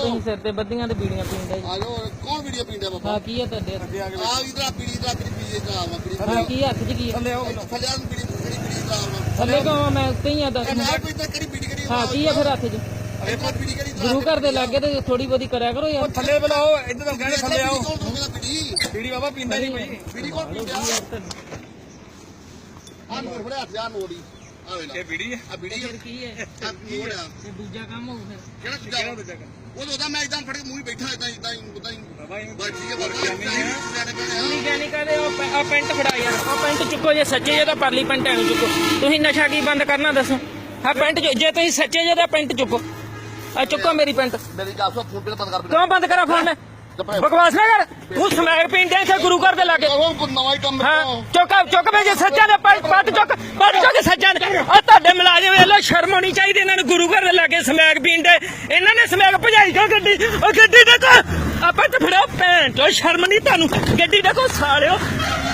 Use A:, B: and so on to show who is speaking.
A: ਤੁਸੀਂ ਸਿਰ ਤੇ ਬੱਦੀਆਂ ਤੇ ਬੀੜੀਆਂ ਪੀਂਦੇ ਜੀ।
B: ਆਜੋ ਕੌਣ ਵੀਡੀਓ ਪੀਂਦਾ ਬਾਬਾ
A: ਹਾਂ ਕੀ ਹੈ ਤੁਹਾਡੇ
B: ਆ ਇਧਰ ਬੀੜੀ ਦਾ ਪੀਏ ਦਾ
A: ਹਾਂ ਕੀ ਹੱਥ 'ਚ ਕੀ ਹੈ
B: ਥੱਲੇ ਆ ਬੀੜੀ ਦਾ
A: ਥੱਲੇ ਕਹਾਂ ਮੈਂ ਉੱਤੇ ਹੀ ਆ ਦੱਸ
B: ਮੈਂ ਕੋਈ ਤਾਂ ਕਿਹੜੀ ਬੀੜੀ ਕਿਹੜੀ
A: ਹਾਂ ਕੀ ਹੈ ਫਿਰ ਹੱਥ 'ਚ
B: ਬੀੜੀ ਕਿਹੜੀ
A: ਗੁਰੂ ਘਰ ਦੇ ਲਾਗੇ ਤੇ ਥੋੜੀ ਬਹੁਤੀ ਕਰਿਆ ਕਰੋ ਯਾਰ
C: ਥੱਲੇ ਬੁਲਾਓ ਇੱਧਰ ਤਾਂ ਕਹਿੰਦੇ ਥੱਲੇ ਆਓ
B: ਬੀੜੀ
C: ਬਾਬਾ ਪੀਂਦਾ ਨਹੀਂ ਕੋਈ
B: ਬੀੜੀ ਕੌਣ ਪੀਂਦਾ ਆ ਨੋਟ ਫੜਿਆ ਹੱਥ ਆ ਨੋਟ ਹੀ ਆ ਵੇਲਾ
C: ਇਹ ਬੀੜੀ ਹੈ
B: ਆ ਬੀੜੀ
A: ਫਿਰ ਕੀ ਹੈ
B: ਆ ਨੋਟ ਆ
A: ਇਹ ਦੂਜਾ ਕੰਮ ਹੋਊ ਫਿਰ
B: ਕਿਹੜਾ ਦੂਜਾ ਉਹ ਉਹਦਾ ਮੈਂ ਇਦਾਂ ਫੜ ਕੇ ਮੂੰਹ ਹੀ ਬੈਠਾ ਇਦਾਂ ਹੀ
C: ਬਾਬਾ ਇਹ
B: ਬਸ ਠੀਕ ਹੈ ਬਾਬਾ
A: ਤੁਸੀਂ ਕਹਿਣੀ ਕਹਦੇ ਆ ਪੈਂਟ ਫੜਾ ਯਾਰ ਆ ਪੈਂਟ ਚੁੱਕੋ ਜੇ ਸੱਚੇ ਜੇ ਤਾਂ ਪਰਲੀ ਪੈਂਟ ਐਨੂੰ ਚੁੱਕੋ ਤੁਸੀਂ ਨਸ਼ਾ ਕੀ ਬੰਦ ਕਰਨਾ ਦੱਸੋ ਆ ਪੈਂਟ ਜੇ ਤੁਸੀਂ ਸੱਚੇ ਜੇ ਤਾਂ ਪੈਂਟ ਚੁੱਕੋ ਆ ਚੁੱਕੋ ਮੇਰੀ ਪੈਂਟ
B: ਮੇਰੀ ਗੱਲ ਸੁਣ ਫੋਨ ਬੰਦ ਕਰ
A: ਕਿਉਂ ਬੰਦ ਕਰਾਂ ਫੋਨ ਬਕਵਾਸ ਨਾ ਕਰ ਤੂੰ ਸਮੈਕ ਪੀਂਦੇ ਇੱਥੇ ਗੁਰੂ ਘਰ ਦੇ ਲਾਗੇ
B: ਉਹ ਨਵਾਂ ਹੀ ਕੰਮ
A: ਹਾਂ ਚੁੱਕ ਵੇ ਜੇ ਸੱਚਾ ਦੇ ਪੱਟ ਚੁੱਕ ਸੱਚਾ ਆ ਤੁਹਾਡੇ ਮੁਲਾਜ਼ਮ ਵੇਲੋ ਸ਼ਰਮ ਹੋਣੀ ਚਾਹੀਦੀ ਇਹਨਾਂ ਨੂੰ ਗੁਰੂ ਘਰ ਦੇ ਲਾਗੇ ਸਮੈਕ ਪੀਂਦੇ ਇਹਨਾਂ ਨੇ ਸਮੈਕ ਭਜਾਈ ਕਿਉਂ ਗੱਡੀ ਉਹ ਗੱਡੀ ਦੇਖੋ ਆਪਾਂ ਤੇ ਫੜੋ ਭੈਣ ਚੋ ਸ਼ਰਮ ਨਹੀਂ ਤੁਹਾਨੂੰ ਗੱਡੀ ਦੇਖੋ ਸਾਲਿਓ